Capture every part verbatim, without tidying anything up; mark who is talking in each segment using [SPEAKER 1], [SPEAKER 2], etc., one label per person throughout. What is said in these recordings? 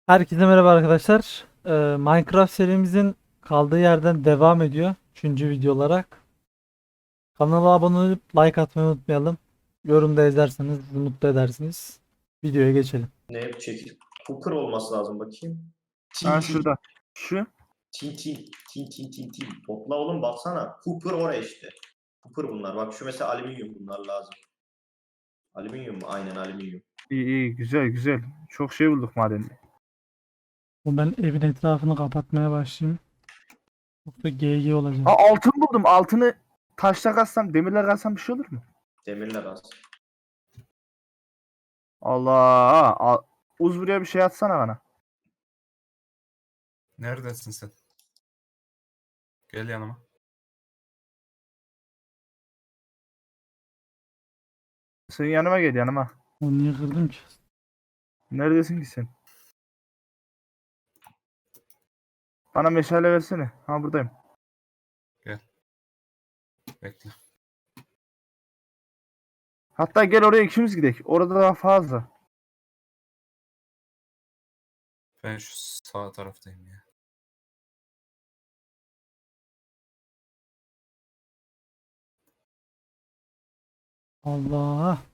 [SPEAKER 1] Herkese merhaba arkadaşlar. Ee, Minecraft serimizin kaldığı yerden devam ediyor. Üçüncü video olarak. Kanala abone olup like atmayı unutmayalım. Yorumda yazarsanız bizi mutlu edersiniz. Videoya geçelim.
[SPEAKER 2] Ne çekil? Cooper olması lazım bakayım.
[SPEAKER 3] Ha
[SPEAKER 2] Tin tin.
[SPEAKER 3] şurada. Şu.
[SPEAKER 2] Tin tin. Tin tin tin tin. Topla oğlum baksana. Cooper oraya işte. Cooper bunlar. Bak şu mesela alüminyum bunlar lazım. Alüminyum mu? Aynen alüminyum.
[SPEAKER 3] İyi iyi güzel güzel. Çok şey bulduk madende.
[SPEAKER 1] Bu ben evin etrafını kapatmaya başlayayım. Yoksa G G olacak.
[SPEAKER 3] Ha altın buldum. Altını taşla kazsam, demirle kazsam bir şey olur mu?
[SPEAKER 2] Demirler az.
[SPEAKER 3] Allah. Al. Uz buraya bir şey atsana bana.
[SPEAKER 4] Neredesin sen? Gel yanıma.
[SPEAKER 3] Sen yanıma gel yanıma.
[SPEAKER 1] Onu niye kırdım ki?
[SPEAKER 3] Neredesin ki sen? Bana meşale versene. Ha buradayım.
[SPEAKER 4] Bekle.
[SPEAKER 3] Hatta gel oraya ikimiz gidelim. Orada daha fazla.
[SPEAKER 4] Ben şu sağ taraftayım ya.
[SPEAKER 1] Allah.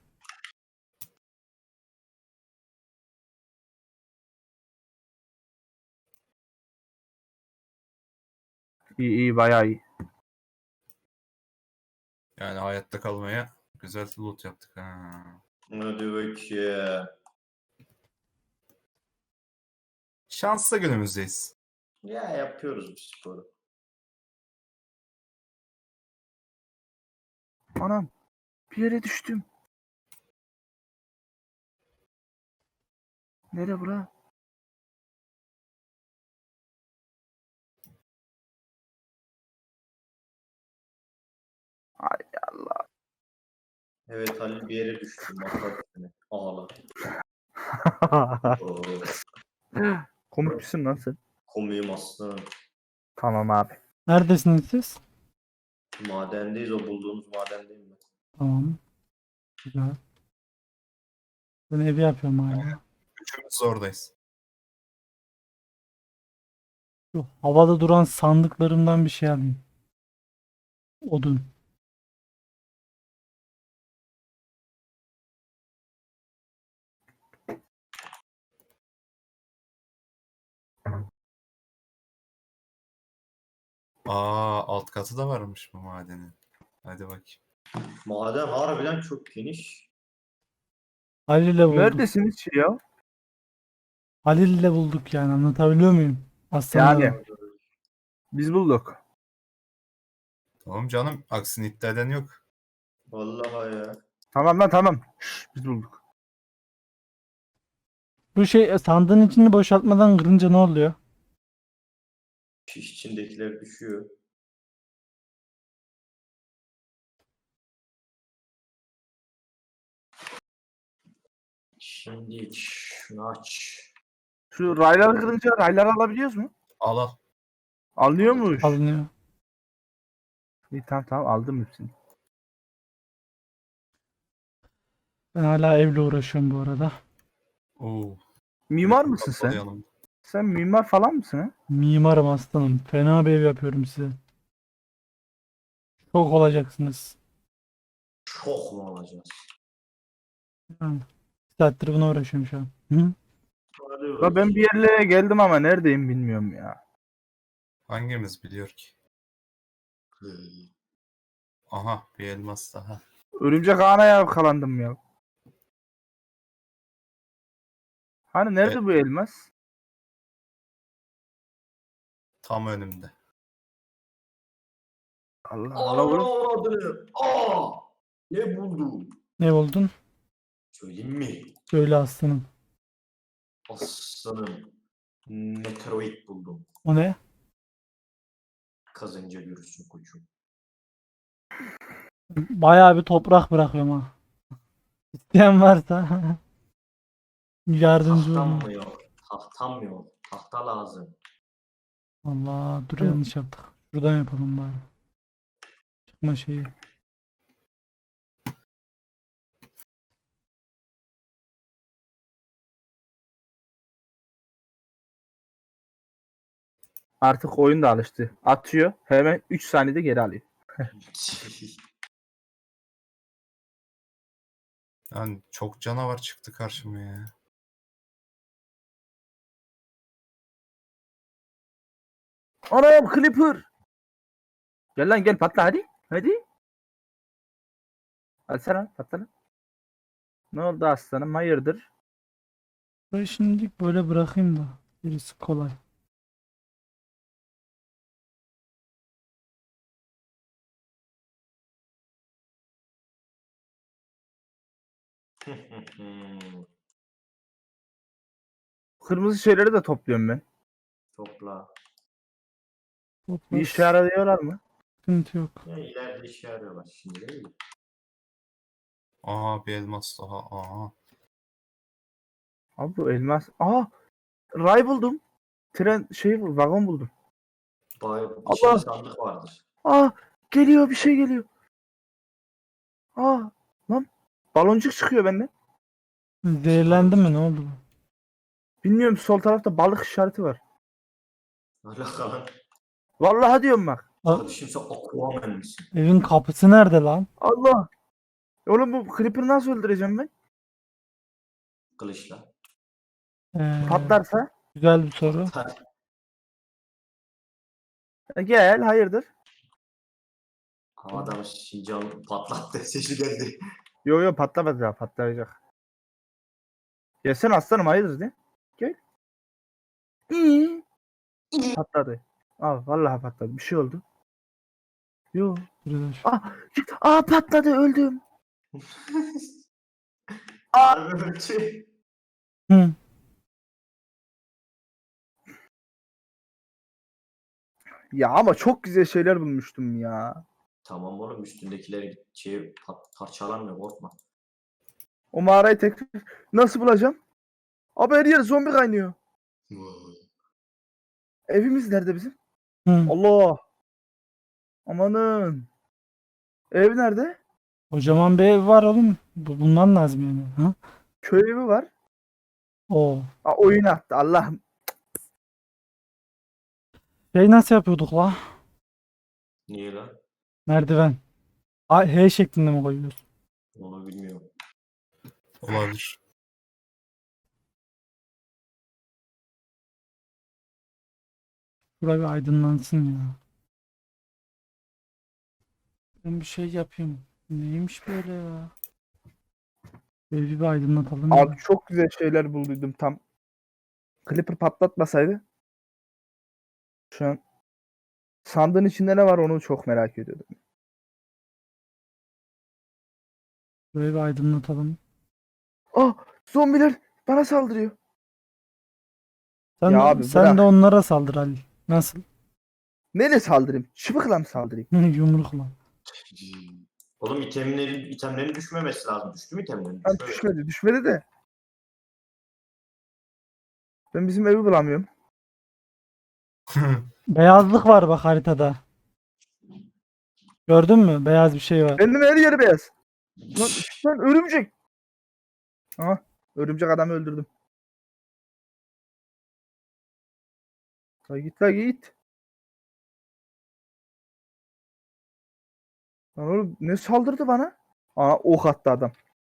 [SPEAKER 3] İyi iyi bayağı iyi.
[SPEAKER 4] Yani hayatta kalmaya güzel loot yaptık ha.
[SPEAKER 2] Hadi bakayım.
[SPEAKER 4] Şanslı günümüzdeyiz.
[SPEAKER 2] Ya yapıyoruz bu sporu.
[SPEAKER 3] Anam. Bir yere düştüm. Nere bura? Ay Allah.
[SPEAKER 2] Evet Halil bir yere düştüm. Bakar seni. Ağla. Oo,
[SPEAKER 3] Komik misin lan sen?
[SPEAKER 2] komiyim aslanım.
[SPEAKER 3] Tamam abi.
[SPEAKER 1] Neredesiniz siz?
[SPEAKER 2] Madendeyiz o bulduğumuz madendeyim ben.
[SPEAKER 1] Tamam. Güzel. Ben evi yapıyorum hala.
[SPEAKER 4] Üçümüz oradayız.
[SPEAKER 1] Şu havada duran sandıklarımdan bir şey alayım. Odun.
[SPEAKER 4] Aa, alt katı da varmış bu madenin. Hadi bakayım.
[SPEAKER 2] Maden harbiden çok geniş.
[SPEAKER 1] Halil'le bulduk.
[SPEAKER 3] Neredesiniz ki ya?
[SPEAKER 1] Halil'le bulduk yani, anlatabiliyor muyum? Aslanlar.
[SPEAKER 3] Yani. Biz bulduk.
[SPEAKER 4] Tamam canım. Aksini iddia eden yok.
[SPEAKER 2] Vallahi ya.
[SPEAKER 3] Tamam lan tamam. Şş, biz bulduk.
[SPEAKER 1] Bu şey sandığın içini boşaltmadan kırınca ne oluyor?
[SPEAKER 2] Şiş içindekiler düşüyor. Şimdi şunu aç.
[SPEAKER 3] Şu rayları kırınca rayları alabiliyoruz mu?
[SPEAKER 4] Al al.
[SPEAKER 3] Alınıyormuş.
[SPEAKER 1] Alınıyor.
[SPEAKER 3] İyi tamam tamam aldım hepsini.
[SPEAKER 1] Ben hala evle uğraşıyorum bu arada.
[SPEAKER 4] Oo.
[SPEAKER 3] Mimar
[SPEAKER 4] bir
[SPEAKER 3] mısın sen?
[SPEAKER 4] toplayalım.
[SPEAKER 3] Sen mimar falan mısın ha?
[SPEAKER 1] Mimarım aslanım. Fena bir ev yapıyorum size. Çok olacaksınız.
[SPEAKER 2] Çok mu alacağız?
[SPEAKER 1] Yani, bir saattir buna uğraşıyorum şu an. Hı?
[SPEAKER 2] Hadi
[SPEAKER 3] Ya ben bir yerlere geldim ama neredeyim bilmiyorum ya.
[SPEAKER 4] Hangimiz biliyor ki?
[SPEAKER 2] bakayım.
[SPEAKER 4] Aha, bir elmas daha.
[SPEAKER 3] Örümcek ağına yakalandım ya. Hani nerede
[SPEAKER 4] Evet.
[SPEAKER 3] bu elmas?
[SPEAKER 4] Tam önümde.
[SPEAKER 3] Allah
[SPEAKER 2] Allah
[SPEAKER 3] Allah oğlum.
[SPEAKER 2] avradını. Aa! Ne buldum?
[SPEAKER 1] Ne buldun?
[SPEAKER 2] Söyleyeyim mi?
[SPEAKER 1] Söyle aslanım.
[SPEAKER 2] Aslanım. Meteoroid buldum.
[SPEAKER 1] O ne?
[SPEAKER 2] Kazınca görürsün koçum.
[SPEAKER 1] Bayağı bir toprak bırakıyorum ha. İsteyen varsa yardımcı
[SPEAKER 2] Tahtam
[SPEAKER 1] olun.
[SPEAKER 2] mı yok? Tahtam yok. Tahta lazım.
[SPEAKER 1] Allah, dur yanlış yaptık. Şuradan yapalım bari. Çıkma şeyi.
[SPEAKER 3] Artık oyun da alıştı. Atıyor. Hemen üç saniyede geri alıyor.
[SPEAKER 4] Yani çok canavar çıktı karşıma ya.
[SPEAKER 3] Anam Clipper. Gel lan gel patla hadi. Hadi. Hadi sen patla lan. Ne oldu aslanım hayırdır?
[SPEAKER 1] Burayı şimdilik böyle bırakayım da. Gerisi kolay.
[SPEAKER 3] Kırmızı şeyleri de topluyorum ben.
[SPEAKER 2] Topla.
[SPEAKER 3] Bir
[SPEAKER 1] Toplar.
[SPEAKER 3] işe yarıyorlar mı?
[SPEAKER 1] Sıkıntı yok.
[SPEAKER 2] Ya ileride işe yarıyorlar şimdi değil mi?
[SPEAKER 4] Aha bir elmas daha. Aha.
[SPEAKER 3] Abi bu elmas. Aa! Ray buldum. Tren şey vagon buldum.
[SPEAKER 2] Bay
[SPEAKER 3] Allah!
[SPEAKER 2] içinde sandık vardır.
[SPEAKER 3] Aa! Geliyor bir şey geliyor. Aa! Lan baloncuk çıkıyor benden.
[SPEAKER 1] Zehirlendi mi? Ne oldu bu?
[SPEAKER 3] Bilmiyorum sol tarafta balık işareti var.
[SPEAKER 2] Alaka lan.
[SPEAKER 3] Vallahi diyorum bak.
[SPEAKER 1] Aa,
[SPEAKER 2] Kardeşim sen Aquaman misin?
[SPEAKER 1] evin kapısı nerede lan?
[SPEAKER 3] Allah! Oğlum bu Creeper'ı nasıl öldüreceğim ben?
[SPEAKER 2] Kılıçla.
[SPEAKER 1] Ee,
[SPEAKER 3] Patlarsa?
[SPEAKER 1] güzel bir soru.
[SPEAKER 3] E, gel hayırdır?
[SPEAKER 2] Havada Şincan patlattı. Sesi geldi.
[SPEAKER 3] Yo yo patlamaz ya patlayacak. Gelsene aslanım hayırdır de. Gel. İyi. Patladı. Aa vallahi patladı. Bir şey oldu. Yo.
[SPEAKER 1] Burada şu-
[SPEAKER 3] Aa, git. Aa patladı öldüm.
[SPEAKER 2] Harbi böyle bir şey.
[SPEAKER 1] Hı.
[SPEAKER 3] Ya ama çok güzel şeyler bulmuştum ya.
[SPEAKER 2] Tamam oğlum üstündekileri şey pat, parçalanmıyor korkma.
[SPEAKER 3] O mağarayı tekrar nasıl bulacağım? Abi her yer zombi kaynıyor. Evimiz nerede bizim?
[SPEAKER 1] Hı.
[SPEAKER 3] Allah. Amanın. Ev nerede?
[SPEAKER 1] Kocaman bir ev var oğlum. Bu, bundan lazım yani. Ha?
[SPEAKER 3] Köy evi var.
[SPEAKER 1] O.
[SPEAKER 3] Aa, oyun attı Allah'ım.
[SPEAKER 1] Şey nasıl yapıyorduk la?
[SPEAKER 2] Niye lan?
[SPEAKER 1] Merdiven. A, H şeklinde mi koyuyoruz?
[SPEAKER 2] Onu bilmiyorum.
[SPEAKER 4] Olabilir.
[SPEAKER 1] Şurada bir aydınlansın ya. Ben bir şey yapayım. Neymiş böyle ya? Evi bir aydınlatalım ya.
[SPEAKER 3] Abi çok güzel şeyler bulduydum tam. Clipper patlatmasaydı. Şu an sandığın içinde ne var onu çok merak ediyordum.
[SPEAKER 1] Burayı bir aydınlatalım.
[SPEAKER 3] Ah zombiler bana saldırıyor.
[SPEAKER 1] Sen,
[SPEAKER 3] Ya
[SPEAKER 1] de,
[SPEAKER 3] abi
[SPEAKER 1] sen
[SPEAKER 3] bırak.
[SPEAKER 1] de onlara saldır Ali. Nasıl?
[SPEAKER 3] Neyle saldırayım? Çıbıkla mı saldırayım?
[SPEAKER 1] Yumrukla.
[SPEAKER 2] Oğlum itemlerin, itemlerin düşmemesi lazım. Düştü mü itemlerin?
[SPEAKER 3] Lan
[SPEAKER 2] Düşmedi.
[SPEAKER 3] düşmedi düşmedi de. Ben bizim evi bulamıyorum.
[SPEAKER 1] Beyazlık var bak haritada. Gördün mü? Beyaz bir şey var.
[SPEAKER 3] Benim her yeri beyaz. Lan, lan örümcek. Aha örümcek adamı öldürdüm. La git la git. Lan oğlum ne saldırdı bana? Aa ok attı adam.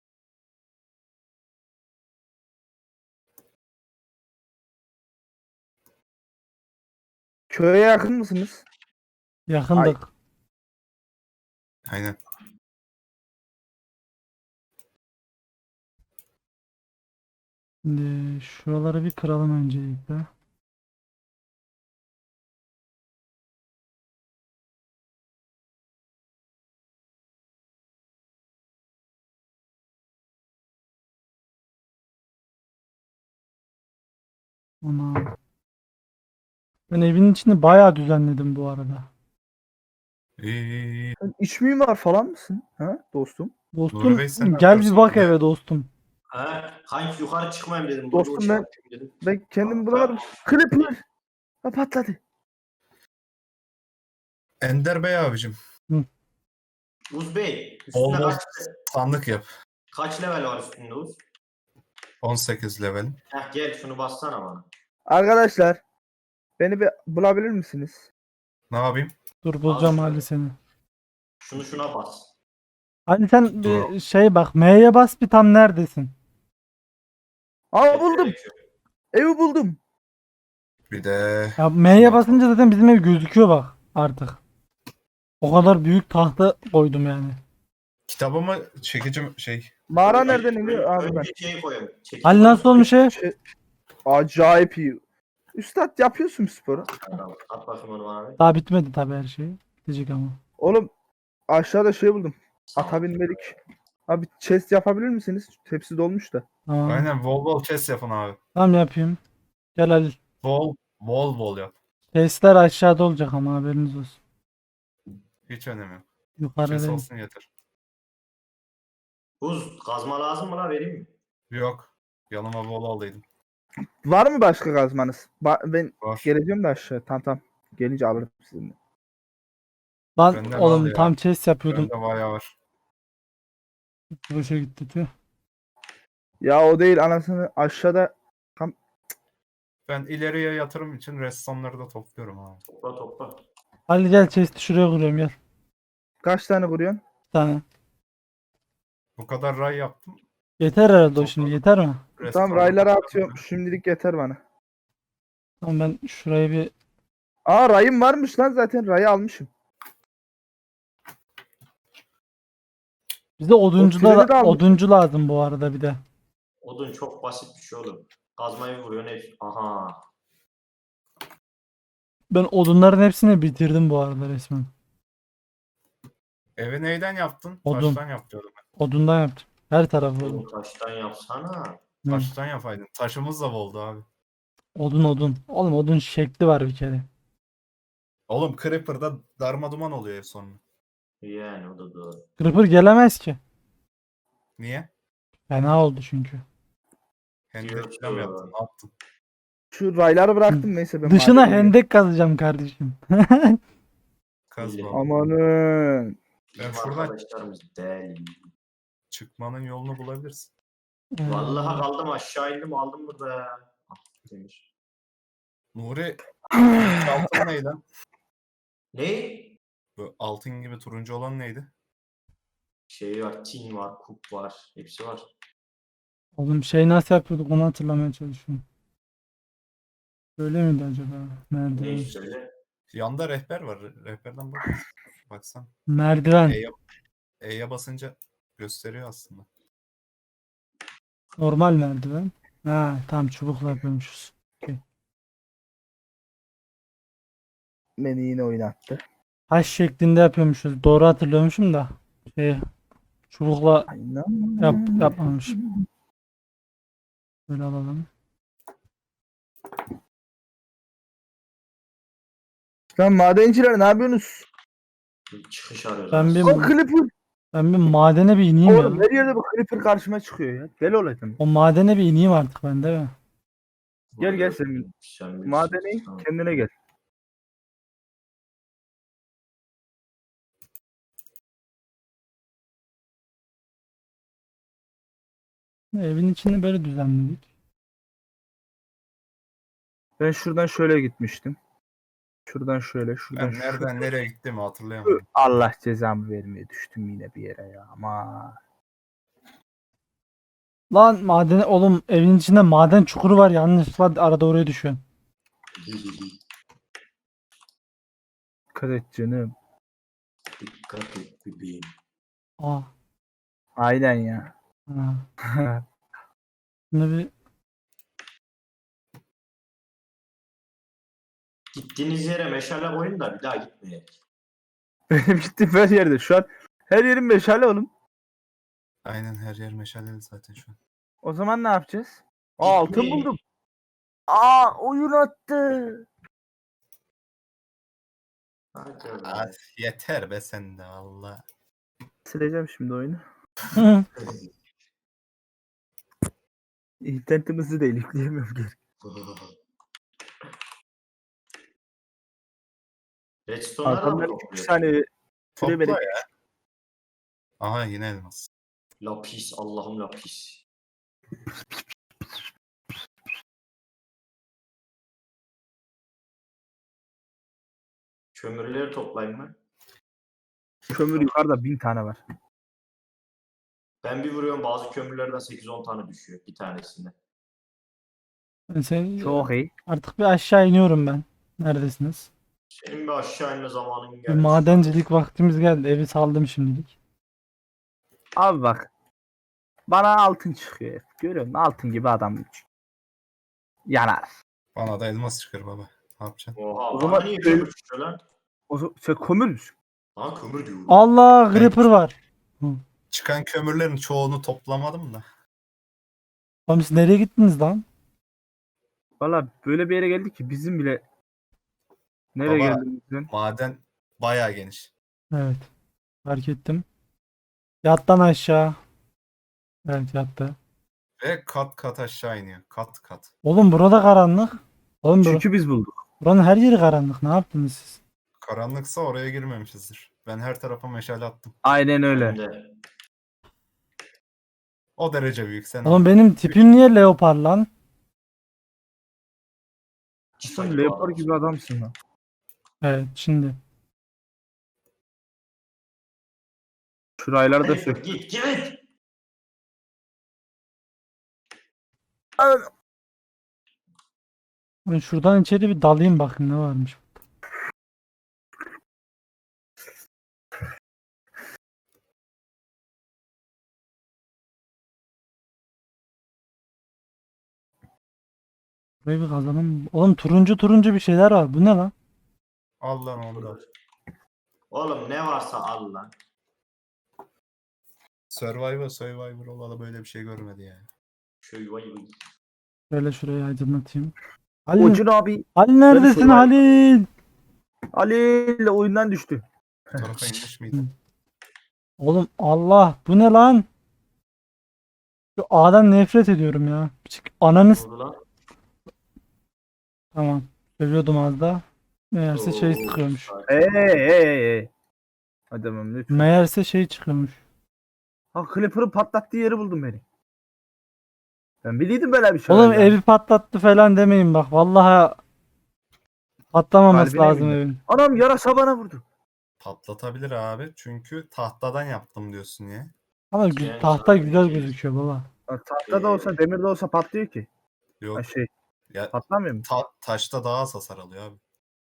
[SPEAKER 3] Köye yakın mısınız?
[SPEAKER 1] Yakındık.
[SPEAKER 4] Aynen.
[SPEAKER 1] Şimdi şuraları bir kıralım öncelikle. Ona. Ben evin içini bayağı düzenledim bu arada.
[SPEAKER 4] İyi iyi iyi.
[SPEAKER 3] Sen iç mimar falan mısın? Ha dostum?
[SPEAKER 1] Dostum
[SPEAKER 4] Nuri Bey, sen ne
[SPEAKER 1] gel bir
[SPEAKER 4] yapıyorsun?
[SPEAKER 1] bak
[SPEAKER 4] Ne?
[SPEAKER 1] eve dostum.
[SPEAKER 2] Ha, hangi yukarı çıkmayayım dedim. Burada
[SPEAKER 3] Dostum
[SPEAKER 2] o şey
[SPEAKER 3] ben-
[SPEAKER 2] yapayım dedim.
[SPEAKER 3] Ben kendimi bulamadım. Clipper. Ha patladı.
[SPEAKER 4] Ender Bey abicim.
[SPEAKER 2] Uz Bey, üstünde
[SPEAKER 4] Olmaz.
[SPEAKER 2] kaç,
[SPEAKER 4] Sandık yap.
[SPEAKER 2] kaç level var üstünde Uz?
[SPEAKER 4] on sekiz level.
[SPEAKER 2] Heh gel şunu bassana bana.
[SPEAKER 3] Arkadaşlar Beni bir bulabilir misiniz?
[SPEAKER 4] Ne yapayım?
[SPEAKER 1] Dur bulacağım
[SPEAKER 2] şöyle.
[SPEAKER 1] Ali seni.
[SPEAKER 2] Şunu şuna bas.
[SPEAKER 1] Ali sen
[SPEAKER 4] Dur.
[SPEAKER 1] bir şey bak M'ye bas bir tam neredesin?
[SPEAKER 3] Aa buldum.
[SPEAKER 2] Şöyle-
[SPEAKER 3] Evi buldum.
[SPEAKER 4] Bir de
[SPEAKER 1] Ya M'ye
[SPEAKER 4] şuna-
[SPEAKER 1] basınca zaten bizim ev gözüküyor bak artık. O kadar büyük tahta koydum yani.
[SPEAKER 4] kitabımı çekicim şey
[SPEAKER 3] Mağara
[SPEAKER 2] Önce-
[SPEAKER 3] nereden iniyor?
[SPEAKER 2] önce-
[SPEAKER 3] Aa buradan.
[SPEAKER 2] Önce şey koyalım. Çekici
[SPEAKER 1] Ali
[SPEAKER 2] koyalım,
[SPEAKER 1] nasıl olmuş ev?
[SPEAKER 3] Şey, acayip iyi. Üstad yapıyorsun sporu.
[SPEAKER 2] Tamam, at bakayım onu bana bir.
[SPEAKER 1] Daha bitmedi tabii her şey. Bitecek ama.
[SPEAKER 3] Oğlum aşağıda şey buldum. Ata binmelik. Abi chest yapabilir misiniz? Tepsi dolmuş da.
[SPEAKER 1] Tamam.
[SPEAKER 4] aynen bol bol chest yapın abi.
[SPEAKER 1] Tamam yapayım. Gel Ali.
[SPEAKER 4] Bol bol bol yap.
[SPEAKER 1] Testler aşağıda olacak ama haberiniz olsun.
[SPEAKER 4] Hiç önemi yok.
[SPEAKER 1] Yukarıda
[SPEAKER 4] Chest
[SPEAKER 1] değil.
[SPEAKER 4] olsun yeter.
[SPEAKER 2] Buz kazma lazım mı la vereyim mi?
[SPEAKER 4] Yok. Yanıma bol aldıydım.
[SPEAKER 3] Var mı başka kazmanız? Ba- ben
[SPEAKER 4] Var.
[SPEAKER 3] geleceğim de aşağı. Tamam tamam. Gelince alırım sizinle.
[SPEAKER 1] Lan
[SPEAKER 4] Benden
[SPEAKER 1] oğlum
[SPEAKER 4] al ya.
[SPEAKER 1] tam chest yapıyordum.
[SPEAKER 4] Bende bayağı var.
[SPEAKER 1] Boşa gitti tüh.
[SPEAKER 3] Ya o değil anasını aşağıda
[SPEAKER 4] Ben ileriye yatırım için ressamları da topluyorum abi.
[SPEAKER 2] Topla topla.
[SPEAKER 1] Ali gel chest'i şuraya kuruyorum gel.
[SPEAKER 3] kaç tane kuruyorsun?
[SPEAKER 1] Bir tane.
[SPEAKER 4] Bu kadar ray yaptım.
[SPEAKER 1] Yeter herhalde o şimdi yeter mi?
[SPEAKER 3] Tamam
[SPEAKER 4] Ressamları
[SPEAKER 3] raylara
[SPEAKER 4] topluyorum.
[SPEAKER 3] atıyorum. Şimdilik yeter bana.
[SPEAKER 1] Tamam ben şurayı bir
[SPEAKER 3] Aa rayım varmış lan zaten. Rayı almışım.
[SPEAKER 1] bize oduncu da,
[SPEAKER 3] treni de almışım.
[SPEAKER 1] oduncu lazım bu arada bir de.
[SPEAKER 2] Odun çok basit bir şey oğlum. Kazmayı vuruyorsun hep. Aha.
[SPEAKER 1] Ben odunların hepsini bitirdim bu arada resmen.
[SPEAKER 4] Evi neyden yaptın?
[SPEAKER 1] Odun.
[SPEAKER 4] Taştan yap diyordum ben.
[SPEAKER 1] Odundan yaptım. Her tarafı odun.
[SPEAKER 2] Oğlum taştan yapsana.
[SPEAKER 1] Hı.
[SPEAKER 4] Taştan yapaydın. Taşımız da boldu abi.
[SPEAKER 1] Odun odun. Oğlum odun şekli var bir kere.
[SPEAKER 4] Oğlum Creeper'da darma duman oluyor ev sonra.
[SPEAKER 2] Yani o da doğru.
[SPEAKER 1] Creeper gelemez ki.
[SPEAKER 4] Niye?
[SPEAKER 1] Fena oldu çünkü.
[SPEAKER 4] Hendek
[SPEAKER 2] Diyor
[SPEAKER 4] falan mı
[SPEAKER 2] ki-
[SPEAKER 4] yaptın? Ne yaptın?
[SPEAKER 3] Şu rayları bıraktım neyse ben
[SPEAKER 1] Dışına
[SPEAKER 3] madene gidiyorum.
[SPEAKER 1] hendek kazacağım kardeşim.
[SPEAKER 4] Kazma.
[SPEAKER 3] Amanın.
[SPEAKER 4] Ben
[SPEAKER 2] Bizim
[SPEAKER 4] şuradan
[SPEAKER 2] arkadaşlarımız deli.
[SPEAKER 4] çıkmanın yolunu bulabilirsin.
[SPEAKER 1] Ee,
[SPEAKER 2] Vallahi kaldım aşağı indim aldım burada ya. Ah, demir.
[SPEAKER 4] Nuri ilk altın neydi?
[SPEAKER 2] Ne?
[SPEAKER 4] Bu altın gibi turuncu olan neydi?
[SPEAKER 2] Şey var, tin var, kup var. Hepsi var.
[SPEAKER 1] Oğlum şey nasıl yapıyorduk onu hatırlamaya çalışıyorum. Böyle miydi acaba? Merdiven.
[SPEAKER 2] Ne söyle?
[SPEAKER 4] Yanda rehber var. Rehberden bak. Baksan.
[SPEAKER 1] Merdiven.
[SPEAKER 4] E'ye, E'ye basınca gösteriyor aslında.
[SPEAKER 1] Normal merdiven. Ha tam çubukla yapıyormuşuz.
[SPEAKER 3] Beni yine oynattı.
[SPEAKER 1] Haş şeklinde yapıyormuşuz. Doğru hatırlıyormuşum da. Şey çubukla
[SPEAKER 3] Aynen.
[SPEAKER 1] yap, yapmamışım. Böyle alalım.
[SPEAKER 3] Lan madenciler ne yapıyorsunuz?
[SPEAKER 2] Bir çıkış arıyoruz.
[SPEAKER 1] Ben bir,
[SPEAKER 3] O Clipper.
[SPEAKER 1] ben bir madene bir ineyim
[SPEAKER 3] Oğlum
[SPEAKER 1] ya.
[SPEAKER 3] her yerde bu Clipper karşıma çıkıyor ya. Deli olaydım.
[SPEAKER 1] O madene bir ineyim artık ben değil mi?
[SPEAKER 3] Gel, gel sen.
[SPEAKER 2] Sen bilirsin.
[SPEAKER 3] Madene in,
[SPEAKER 2] Tamam.
[SPEAKER 3] kendine gel.
[SPEAKER 1] Evin içini böyle düzenledik.
[SPEAKER 3] Ben şuradan şöyle gitmiştim. Şuradan şöyle, şuradan
[SPEAKER 4] Ben
[SPEAKER 3] şu-
[SPEAKER 4] nereden nereye gittiğimi hatırlayamadım.
[SPEAKER 3] Allah cezamı vermeye düştüm yine bir yere ya. Ama
[SPEAKER 1] Lan madene oğlum evin içinde maden çukuru var yanlışlıkla arada oraya düşüyorsun.
[SPEAKER 3] dikkat et canım.
[SPEAKER 2] Dikkat et bebeğim.
[SPEAKER 1] Aa.
[SPEAKER 3] Aynen ya.
[SPEAKER 1] Ha. Şimdi bir
[SPEAKER 2] Gittiğiniz yere meşale koyun da bir daha gitmeyin.
[SPEAKER 3] Benim gittiğim her yerde. Şu an her yerim meşale oğlum.
[SPEAKER 4] Aynen her yer meşaleli zaten şu an.
[SPEAKER 3] O zaman ne yapacağız? Aa, altın
[SPEAKER 2] Gitmeyin.
[SPEAKER 3] buldum. Aa oyun attı.
[SPEAKER 2] Hadi be.
[SPEAKER 4] Ah, yeter be sen de Allah.
[SPEAKER 3] Sileceğim şimdi oyunu.
[SPEAKER 1] Hı.
[SPEAKER 3] İnternetimizi de yükleyemiyorum geri.
[SPEAKER 2] Redstone'ları da mı
[SPEAKER 3] Adamlar iki
[SPEAKER 2] topluyor?
[SPEAKER 3] saniye süre
[SPEAKER 4] Topla
[SPEAKER 3] verip
[SPEAKER 4] ya. Aha yine elmas.
[SPEAKER 2] Lapis, Allah'ım lapis. Kömürleri toplayayım mı?
[SPEAKER 3] Kömür yukarıda bin tane var.
[SPEAKER 2] Ben bir vuruyorum bazı kömürlerden sekiz on tane düşüyor bir tanesinde.
[SPEAKER 1] Ben sen,
[SPEAKER 3] Çok iyi.
[SPEAKER 1] artık bir aşağı iniyorum ben. Neredesiniz?
[SPEAKER 2] Senin bir aşağı inme zamanın
[SPEAKER 1] Bir
[SPEAKER 2] gelmiş.
[SPEAKER 1] madencilik vaktimiz geldi. Evi saldım şimdilik.
[SPEAKER 3] Abi bak. Bana altın çıkıyor hep. Görüyor musun? Altın gibi adam. Yanar.
[SPEAKER 4] Bana da elmas çıkar baba. Ne yapacaksın?
[SPEAKER 2] Oha
[SPEAKER 3] O
[SPEAKER 2] bana
[SPEAKER 3] zaman
[SPEAKER 2] niye
[SPEAKER 3] köy-
[SPEAKER 2] kömür çıkıyor lan?
[SPEAKER 3] O zaman sen kömür müsün?
[SPEAKER 2] Lan kömür diyorum.
[SPEAKER 1] Allah,
[SPEAKER 4] Ben-
[SPEAKER 1] Creeper var. Hı.
[SPEAKER 4] Çıkan kömürlerin çoğunu toplamadım da.
[SPEAKER 1] Oğlum siz nereye gittiniz lan?
[SPEAKER 3] Valla böyle bir yere geldik ki bizim bile nereye
[SPEAKER 4] Baba.
[SPEAKER 3] geldiğimizden.
[SPEAKER 4] Maden bayağı geniş.
[SPEAKER 1] Evet. Fark ettim. Yattan aşağı. Evet, yattı.
[SPEAKER 4] Ve kat kat aşağı iniyor. Kat kat.
[SPEAKER 1] Oğlum burada karanlık. Oğlum bura-
[SPEAKER 3] Çünkü biz bulduk.
[SPEAKER 1] buranın her yeri karanlık. Ne yaptınız siz?
[SPEAKER 4] Karanlıksa oraya girmemişizdir. Ben her tarafa meşale attım.
[SPEAKER 3] Aynen öyle.
[SPEAKER 2] Ben de.
[SPEAKER 4] O derece büyük. Sen
[SPEAKER 1] Oğlum
[SPEAKER 4] anla.
[SPEAKER 1] benim tipim niye leopar lan?
[SPEAKER 2] Çıta
[SPEAKER 3] Sen
[SPEAKER 2] gibi
[SPEAKER 3] leopar
[SPEAKER 2] adamsın.
[SPEAKER 3] gibi adamsın lan.
[SPEAKER 1] Evet, şimdi.
[SPEAKER 3] Şurayları da
[SPEAKER 2] Hadi
[SPEAKER 3] sök.
[SPEAKER 2] git git.
[SPEAKER 1] Ben şuradan içeri bir dalayım bakayım ne varmış. Burayı bir kazanım. Oğlum turuncu turuncu bir şeyler var. Bu ne lan?
[SPEAKER 4] Al lan onu da.
[SPEAKER 2] Oğlum ne varsa al lan.
[SPEAKER 4] Survivor Survivor olalı böyle bir şey görmedi yani.
[SPEAKER 2] Şöyle vay vay.
[SPEAKER 1] Şöyle şurayı aydınlatayım. Halil,
[SPEAKER 3] Ocun abi
[SPEAKER 1] Halil neredesin
[SPEAKER 3] şuraya-
[SPEAKER 1] Halil?
[SPEAKER 3] Ali ile oyundan düştü.
[SPEAKER 4] Bu tarafa inmiş miydi?
[SPEAKER 1] Oğlum Allah, bu ne lan? Şu A'dan nefret ediyorum ya. Çık- Ananı
[SPEAKER 2] Ne
[SPEAKER 1] s-
[SPEAKER 2] oldu lan?
[SPEAKER 1] Tamam. Seviyordum az da. Meğerse şey
[SPEAKER 2] Oo,
[SPEAKER 1] çıkıyormuş.
[SPEAKER 2] sakin.
[SPEAKER 3] Hey hey hey hey. Adamım lütfen.
[SPEAKER 1] Meğerse şey çıkıyormuş.
[SPEAKER 3] Ha Clipper'ın patlattığı yeri buldum beni. Ben biliyordum böyle bir şey.
[SPEAKER 1] Oğlum
[SPEAKER 3] olacağını.
[SPEAKER 1] evi patlattı falan demeyin bak. Vallahi patlamaması
[SPEAKER 3] Kalbine
[SPEAKER 1] lazım
[SPEAKER 3] bindi.
[SPEAKER 1] evin.
[SPEAKER 3] Anam yarasa bana vurdu.
[SPEAKER 4] Patlatabilir abi. Çünkü tahtadan yaptım diyorsun ya.
[SPEAKER 1] Ama gü-
[SPEAKER 2] Yani
[SPEAKER 1] tahta
[SPEAKER 2] sana
[SPEAKER 1] güzel
[SPEAKER 2] diyeceğiz.
[SPEAKER 1] gözüküyor baba.
[SPEAKER 3] Ha, tahta da olsa demir de olsa patlıyor ki.
[SPEAKER 4] Yok.
[SPEAKER 3] Ha şey
[SPEAKER 4] Ya
[SPEAKER 3] patlamıyor mu?
[SPEAKER 4] ta- taşta daha az hasar alıyor abi.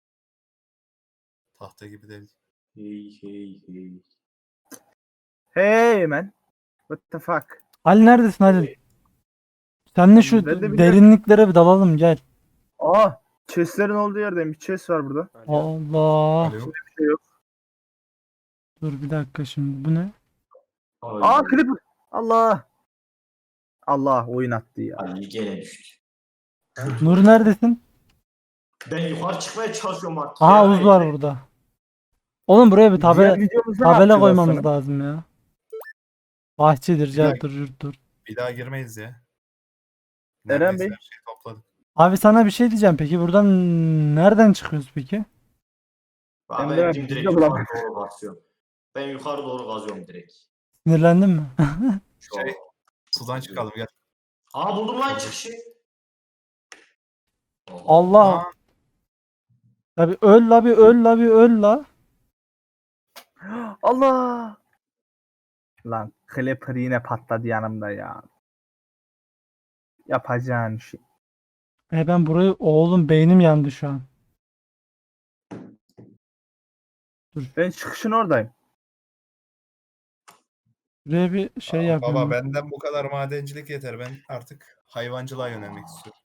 [SPEAKER 4] Tahta gibi değil.
[SPEAKER 2] Hey hey hey.
[SPEAKER 3] Hey man. What the fuck?
[SPEAKER 1] Halil neredesin Halil? Seninle şu
[SPEAKER 3] Ben de biliyorum.
[SPEAKER 1] derinliklere bir dalalım gel.
[SPEAKER 3] Aa chestlerin olduğu yerdeyim. Bir chest var burada.
[SPEAKER 1] Allah.
[SPEAKER 4] Alo.
[SPEAKER 3] Bir şey yok.
[SPEAKER 1] Dur bir dakika şimdi. Bu ne?
[SPEAKER 2] Ay,
[SPEAKER 3] Aa Clipper. Allah. Allah oyun attı ya.
[SPEAKER 2] Ali gene düştü.
[SPEAKER 1] Nur neredesin?
[SPEAKER 2] Ben yukarı çıkmaya çalışıyorum artık.
[SPEAKER 1] Aha
[SPEAKER 2] ya.
[SPEAKER 1] Uz var burada. Oğlum buraya bir
[SPEAKER 3] Diğer
[SPEAKER 1] tabela,
[SPEAKER 3] videomuzda ne
[SPEAKER 1] tabela
[SPEAKER 3] yapacağız
[SPEAKER 1] koymamız
[SPEAKER 3] aslında?
[SPEAKER 1] lazım ya. Bahçedir,
[SPEAKER 4] Bir dakika.
[SPEAKER 1] carttır, yurttur.
[SPEAKER 4] Bir daha girmeyiz ya.
[SPEAKER 3] Eren
[SPEAKER 4] Neredeyse
[SPEAKER 3] Bey.
[SPEAKER 4] her şeyi topladık.
[SPEAKER 1] Abi sana bir şey diyeceğim. Peki buradan nereden çıkıyoruz peki?
[SPEAKER 2] Ben,
[SPEAKER 3] Emre,
[SPEAKER 2] ben
[SPEAKER 3] biz
[SPEAKER 2] direkt
[SPEAKER 3] de
[SPEAKER 2] yukarı
[SPEAKER 3] bulamadık.
[SPEAKER 2] doğru basıyorum. Ben yukarı doğru kazıyorum direkt.
[SPEAKER 1] Sinirlendin mi?
[SPEAKER 2] Şu
[SPEAKER 4] Şey,
[SPEAKER 2] an.
[SPEAKER 4] Sudan çıkalım gel.
[SPEAKER 2] Aa buldum lan çıkışı.
[SPEAKER 1] Allah.
[SPEAKER 4] Aa,
[SPEAKER 1] Tabi öl la bir öl la bir öl la.
[SPEAKER 3] Allah. Lan Clipper yine patladı yanımda ya. Yapacağın şey.
[SPEAKER 1] E ben burayı oğlum beynim yandı şu an.
[SPEAKER 3] Ben çıkışın oradayım.
[SPEAKER 1] Buraya bir şey
[SPEAKER 4] aa,
[SPEAKER 1] yapıyorum.
[SPEAKER 4] baba benden bu kadar madencilik yeter. Ben artık hayvancılığa yönelmek istiyorum.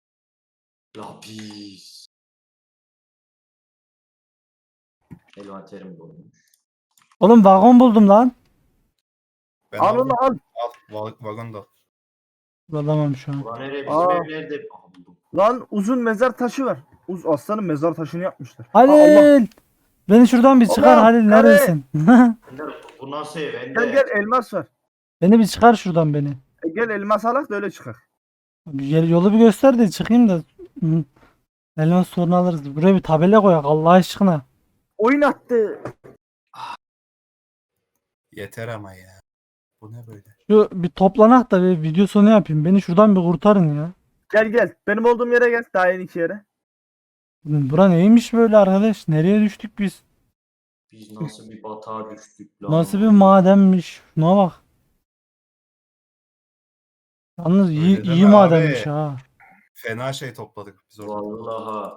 [SPEAKER 2] Lapis. Envanterim dolmuş.
[SPEAKER 1] Oğlum vagon buldum lan.
[SPEAKER 4] Ben
[SPEAKER 3] Al
[SPEAKER 4] aldım.
[SPEAKER 3] onu al.
[SPEAKER 4] Al, va- vagon da.
[SPEAKER 1] Bulamam şu an.
[SPEAKER 2] Ulan nereye bizim
[SPEAKER 3] Aa.
[SPEAKER 2] ev nerede? Aa buldum.
[SPEAKER 3] Lan uzun mezar taşı var. Uz aslanın mezar taşını yapmışlar. Aa, Allah.
[SPEAKER 1] Halil! Beni şuradan bir çıkar
[SPEAKER 3] Allah,
[SPEAKER 1] Halil
[SPEAKER 3] kare.
[SPEAKER 1] neredesin?
[SPEAKER 2] Bunlar, bu nasıl ev? Bende.
[SPEAKER 3] Gel gel elmas var.
[SPEAKER 1] Beni bir çıkar şuradan beni.
[SPEAKER 3] E, gel elmas alak da öyle çıkar.
[SPEAKER 1] Gel- Yolu bir göster de çıkayım da. Hı. Elmas sorunu alırız. Buraya bir tabela koyak Allah aşkına.
[SPEAKER 3] Oyun attı.
[SPEAKER 4] Yeter ama ya. Bu ne böyle?
[SPEAKER 1] Şu bir toplanak da bir video sonu yapayım. Beni şuradan bir kurtarın ya.
[SPEAKER 3] Gel gel. Benim olduğum yere gel. Daha yeni iki yere.
[SPEAKER 1] Bura neymiş böyle arkadaş? Nereye düştük biz?
[SPEAKER 2] Biz nasıl bir batağa düştük lan?
[SPEAKER 1] Nasıl bir madenmiş? Şuna bak. Yalnız iyi,
[SPEAKER 4] Öyle
[SPEAKER 1] iyi
[SPEAKER 4] deme
[SPEAKER 1] madenmiş
[SPEAKER 4] abi.
[SPEAKER 1] ha.
[SPEAKER 4] Fena şey topladık biz orada.
[SPEAKER 2] Vallahi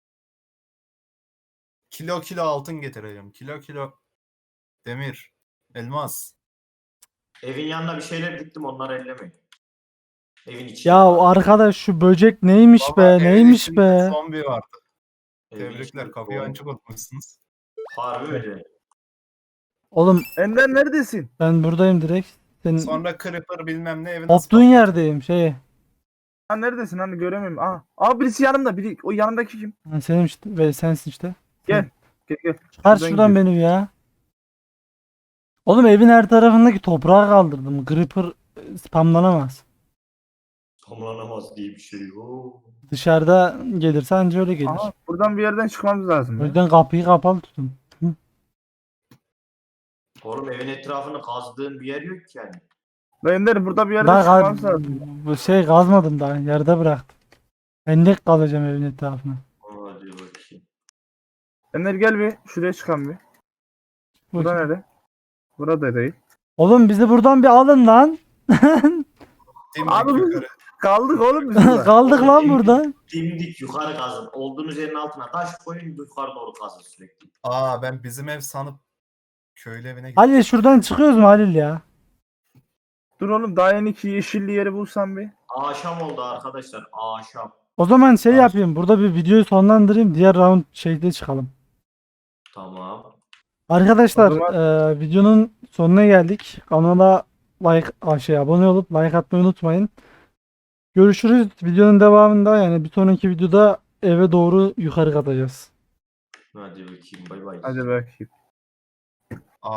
[SPEAKER 4] Kilo kilo altın getireceğim. Kilo kilo demir, elmas.
[SPEAKER 2] evin yanına bir şeyler diktim, onları ellemeyin. Evin içine.
[SPEAKER 1] Ya arkadaş şu böcek neymiş
[SPEAKER 4] Vallahi
[SPEAKER 1] be?
[SPEAKER 4] evin
[SPEAKER 1] Neymiş
[SPEAKER 4] içinde
[SPEAKER 1] be?
[SPEAKER 4] zombi vardı.
[SPEAKER 2] Evin
[SPEAKER 4] Tebrikler,
[SPEAKER 2] içinde
[SPEAKER 4] kapıyı
[SPEAKER 2] doğum.
[SPEAKER 4] açık unutmuşsunuz.
[SPEAKER 2] Harbi öyle.
[SPEAKER 1] Oğlum
[SPEAKER 3] Ender neredesin?
[SPEAKER 1] ben buradayım direkt. Senin
[SPEAKER 4] Sonra creeper bilmem ne evi nasıl
[SPEAKER 1] koptuğun
[SPEAKER 4] patlattı?
[SPEAKER 1] yerdeyim şey.
[SPEAKER 3] Ha neredesin hani göremiyorum. Aa, aa birisi yanımda. Biri o yanımdaki kim?
[SPEAKER 1] Ha, senin işte ve sensin işte.
[SPEAKER 3] Gel. Gel gel.
[SPEAKER 1] Çıkar
[SPEAKER 3] Şuradan
[SPEAKER 1] şuradan
[SPEAKER 3] gidiyoruz.
[SPEAKER 1] beni ya. Oğlum evin her tarafındaki toprağı kaldırdım. Creeper e, spamlanamaz.
[SPEAKER 2] Tamlanamaz diye bir şey yok.
[SPEAKER 1] Dışarıda gelirse anca öyle gelir.
[SPEAKER 3] Aha buradan bir yerden çıkmamız lazım
[SPEAKER 1] O
[SPEAKER 3] ya.
[SPEAKER 1] yüzden kapıyı kapalı tutun. Hı.
[SPEAKER 2] Oğlum evin etrafını kazdığın bir yer yok ki yani.
[SPEAKER 3] Lan Ender burada bir yerden
[SPEAKER 1] Daha
[SPEAKER 3] çıkmamız
[SPEAKER 1] kaz-
[SPEAKER 3] lazım.
[SPEAKER 1] bu şey kazmadım daha. Yerde bıraktım. Hendek kazacağım evin etrafına.
[SPEAKER 2] Hadi bakayım.
[SPEAKER 3] Ender gel bir. Şuraya çıkalım bir. Bura
[SPEAKER 1] Bakayım.
[SPEAKER 3] nere? Burada değil.
[SPEAKER 1] Oğlum bizi buradan bir alın lan.
[SPEAKER 4] Dimdik
[SPEAKER 3] Abi
[SPEAKER 4] yukarı.
[SPEAKER 3] kaldık oğlum biz burada.
[SPEAKER 1] Kaldık
[SPEAKER 2] Oğlum,
[SPEAKER 1] lan
[SPEAKER 2] dimdik-
[SPEAKER 1] burada.
[SPEAKER 2] Dimdik yukarı kazın. Olduğunuz yerin altına taş koyun, yukarı doğru kazın sürekli.
[SPEAKER 4] Aa ben bizim ev sanıp köylü evine gittim.
[SPEAKER 1] Halil şuradan çıkıyoruz mu Halil ya?
[SPEAKER 3] Dur oğlum daha yeni ki yeşilli yeri bulsam bir.
[SPEAKER 2] Akşam oldu arkadaşlar. Akşam.
[SPEAKER 1] O zaman şey
[SPEAKER 2] Tamam.
[SPEAKER 1] yapayım. Burada bir videoyu sonlandırayım. Diğer round şeyde çıkalım.
[SPEAKER 2] Tamam.
[SPEAKER 1] Arkadaşlar
[SPEAKER 3] O zaman-
[SPEAKER 1] eee, videonun sonuna geldik. Kanala like a, şey abone olup like atmayı unutmayın. Görüşürüz. Videonun devamında yani bir sonraki videoda eve doğru yukarı katacağız.
[SPEAKER 2] Hadi bakayım. Bay bay.
[SPEAKER 3] Hadi bakayım.